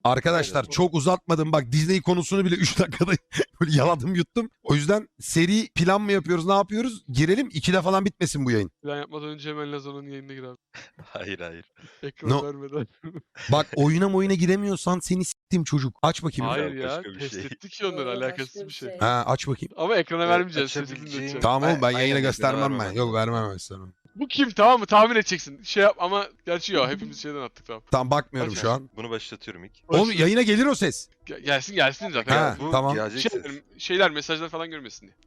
Arkadaşlar çok uzatmadım. Bak Disney konusunu bile 3 dakikada böyle yaladım yuttum. O yüzden seri plan mı yapıyoruz, ne yapıyoruz? Girelim 2'de falan bitmesin bu yayın. Plan yapmadan önce hemen Lazon'un yayınına gir abi. Hayır hayır. Ekran No. vermeden. Bak oyuna giremiyorsan seni s**tim çocuk. Aç bakayım. Hayır Ya, ya. başka bir Test şey. ettik ki onları. Başka Alakasız bir şey. Ha aç bakayım. Ama ekrana vermeyeceğiz. Sesini açabileceğim- dinleteceğim. Tamam oğlum ben Aynen, yayına ekrana göstermem ben. vermem Yok lazım. vermem göstermem. Bu kim, tamam mı? Tahmin edeceksin. Şey yap ama gerçi yok. Hepimiz şeyden attık, tamam. Tamam bakmıyorum Aç şu an. Bunu başlatıyorum ilk. Oğlum yayına gelir o ses. Gelsin zaten. Ha, Bu tamam. gelecek ses. Şeyler, mesajlar falan görmesin diye.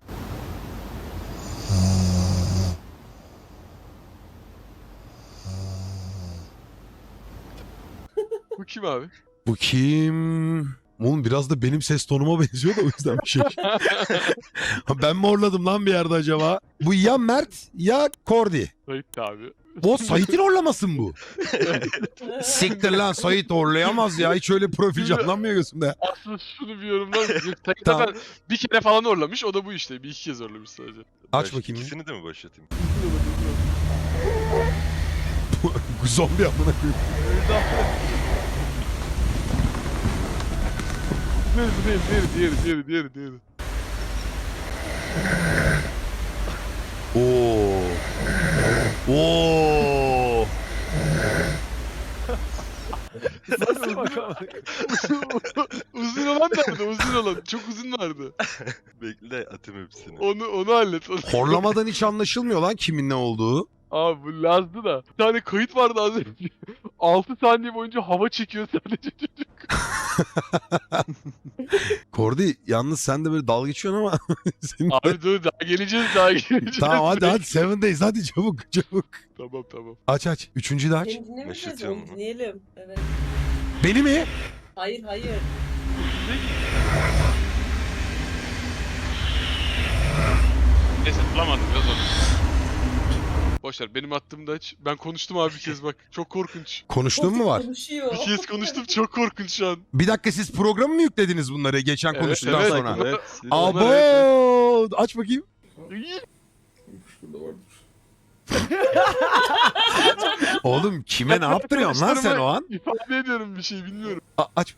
Bu kim abi? Bu kim? Oğlum biraz da benim ses tonuma benziyor da o yüzden bir şey. Ben mi horladım lan bir yerde acaba? Bu ya Mert ya Kordi. Sait abi. O Sait'in horlaması mı bu? Siktir lan Sait horlayamaz ya. Hiç öyle profil canlanmıyor gözümde. Aslında şunu bir yorumlar mısın? Sait Tamam. zaten bir kere falan orlamış. O da bu işte. Bir iki kez orlamış sadece. Aç bakayım. İkisini de mi başlatayım? Zombi amına koyayım. Diğeri. Oo. Oo. Uzun olan nerede? Uzun olan. Çok uzun vardı. Bekle atayım hepsini. Onu hallet. Horlamadan hiç anlaşılmıyor lan kimin ne olduğu. Abi bu Laz'dı da. Bir tane kayıt vardı az önce. 6 saniye boyunca hava çekiyor sadece çocuk. Kordi yalnız sen de böyle dalga geçiyorsun ama. Senin de- Abi dur daha geleceğiz. Tamam hadi 7 days hadi çabuk. Tamam. Aç. Üçüncüyü de aç. Seni dinlemeyeceğiz, Başlatıyorum onu bunu. dinleyelim. Evet. Beni mi? Hayır. Neyse bulamadım biraz onu. Boşver benim attığımda aç. Ben konuştum abi bir kez bak. Çok korkunç. Konuştuğun mu var? Konuşuyor. Bir kez konuştum çok korkunç şu an. Bir dakika siz programı mı yüklediniz bunları geçen konuştuktan sonra? Evet. Abo! Aç bakayım. Oğlum kime ne yaptırıyorsun lan sen o an? İfade ediyorum bir şey bilmiyorum. Aç.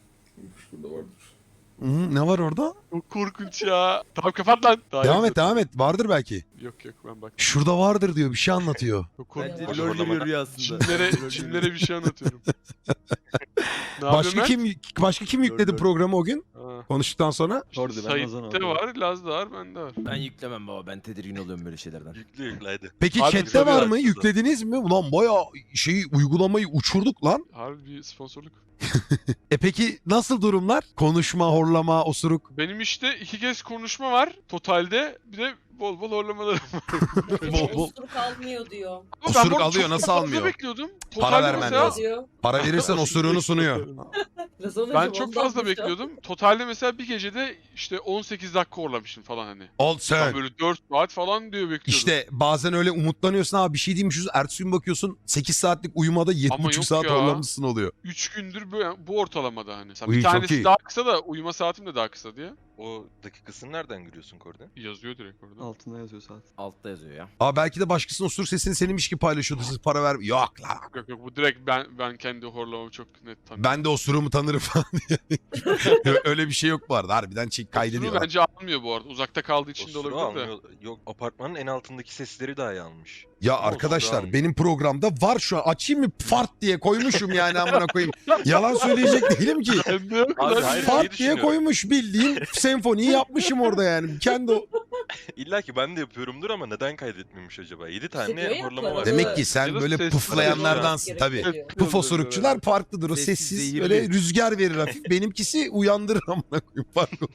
Ne var orada? Çok korkunç ya. Tamam kapat lan. Daha Devam et. Vardır belki. Yok ben bak. Şurada vardır diyor. Bir şey anlatıyor. Çok korkunç. Bence lol geliyor rüyasında. Çinlere bir şey anlatıyorum. Ne yapıyorsun Başka kim yükledi Lol. programı o gün? Ha. Konuştuktan sonra? Orada ben Ozan Sait'te oldum. var, Laz'da var, bende var. Ben yüklemem baba. Ben tedirgin oluyorum böyle şeylerden. Yükle hadi. Peki Abi chatte tabii var mı? aslında. Yüklediniz mi? Ulan bayağı uygulamayı uçurduk lan. Harbi bir sponsorluk. Peki nasıl durumlar? Konuşma, horlama, osuruk. Benim işte 2 kez konuşma var totalde. Bir de bol horlamalarım var. Bol. Osuruk almıyor diyor. Ama ben Osuruk bu arada alıyor, çok nasıl fazla almıyor? bekliyordum. Para Totalde vermen mesela- lazım. Diyor. Para verirsen osuruğunu sunuyor. Ben çok fazla bekliyordum. Totalde mesela bir gecede işte 18 dakika horlamışım falan hani. Al Ben sen. böyle 4 saat falan diyor bekliyordum. İşte bazen öyle umutlanıyorsun abi bir şey değilmişiz. Ertesi gün bakıyorsun 8 saatlik uyumada Ama 7,5 yok saat ya. horlamışsın oluyor. 3 gündür bu ortalamada hani. Mesela Uy, bir çok tanesi iyi. daha kısa da uyuma saatim de daha kısa diye. O dakikasını nereden görüyorsun Korda? Yazıyor direkt orada. Altında yazıyor saat. Altta yazıyor ya. Aa belki de başkasının osuruk sesini seninmiş gibi paylaşıyordu. Siz para ver. Yok lan. Yok bu direkt ben kendi horlamamı çok net tanıyorum. Ben de osuruğumu tanırım falan diye. Öyle bir şey yok bu arada. Harbiden Osuru kaydediyorlar. bence almıyor bu arada. Uzakta kaldığı için de Osuru olabilir de. almıyor. Yok apartmanın en altındaki sesleri dahi almış. Ya Ama arkadaşlar osuru benim programda var şu an. Açayım mı fart diye koymuşum yani amına koyayım. Yalan söyleyecek değilim ki. Bende yok Abi, lan. hayır, Fart diye düşünüyorum. koymuş bildiğin senfoniyi yapmışım orada yani. Kendi o... İlla ki ben de yapıyorumdur ama neden kaydetmemiş acaba? 7 diyor tane ya, horlama var. para- Demek ki sen Ya da böyle sessiz pıflayanlardansın tabii. Gerekiyor. Puf osurukçular farklıdır. O Sessiz, sessiz zehirli. böyle rüzgar verir hafif. Benimkisi uyandırır amına koyayım farklı.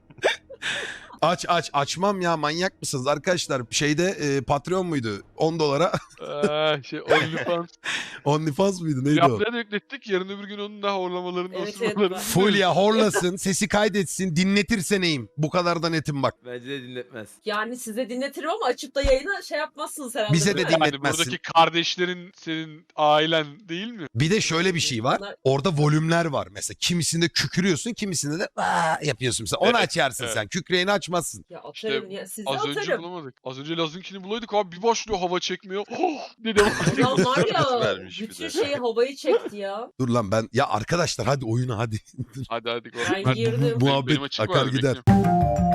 Açmam ya manyak mısınız arkadaşlar? Şeyde Patreon muydu? 10 dolara. OnlyFans. OnlyFans mıydı neydi o? Yapmaya da yüklettik. Yarın öbür gün onun da horlamalarını, Evet, osurmalarını. evet. Full ya horlasın, sesi kaydetsin, dinletirse neyim? Bu kadar da netim bak. Bence de dinletmez. Yani size dinletirim ama açıp da yayına şey yapmazsınız herhalde. Bize de değil mi? dinle- Yani dinletmezsin. buradaki kardeşlerin senin ailen değil mi? Bir de şöyle bir şey var. Bunlar- Orada volümler var. Mesela kimisinde kükürüyorsun, kimisinde de yapıyorsun. Mesela onu Evet, açarsın evet. sen. Kükreyeni açma. açmazsın. Ya İşte atarım ya. Size Az önce atarım. bulamadık. Az önce Laz'ınkini bulaydık abi bir başlıyor hava çekmiyor. Dedim. Adam var ya Vermiş bir bütün de. şeyi havayı çekti ya. Dur lan ben ya arkadaşlar hadi oyuna hadi. hadi hadi. Ben girdim. Benim Muhabbet açık akar var, gider. bekliyorum.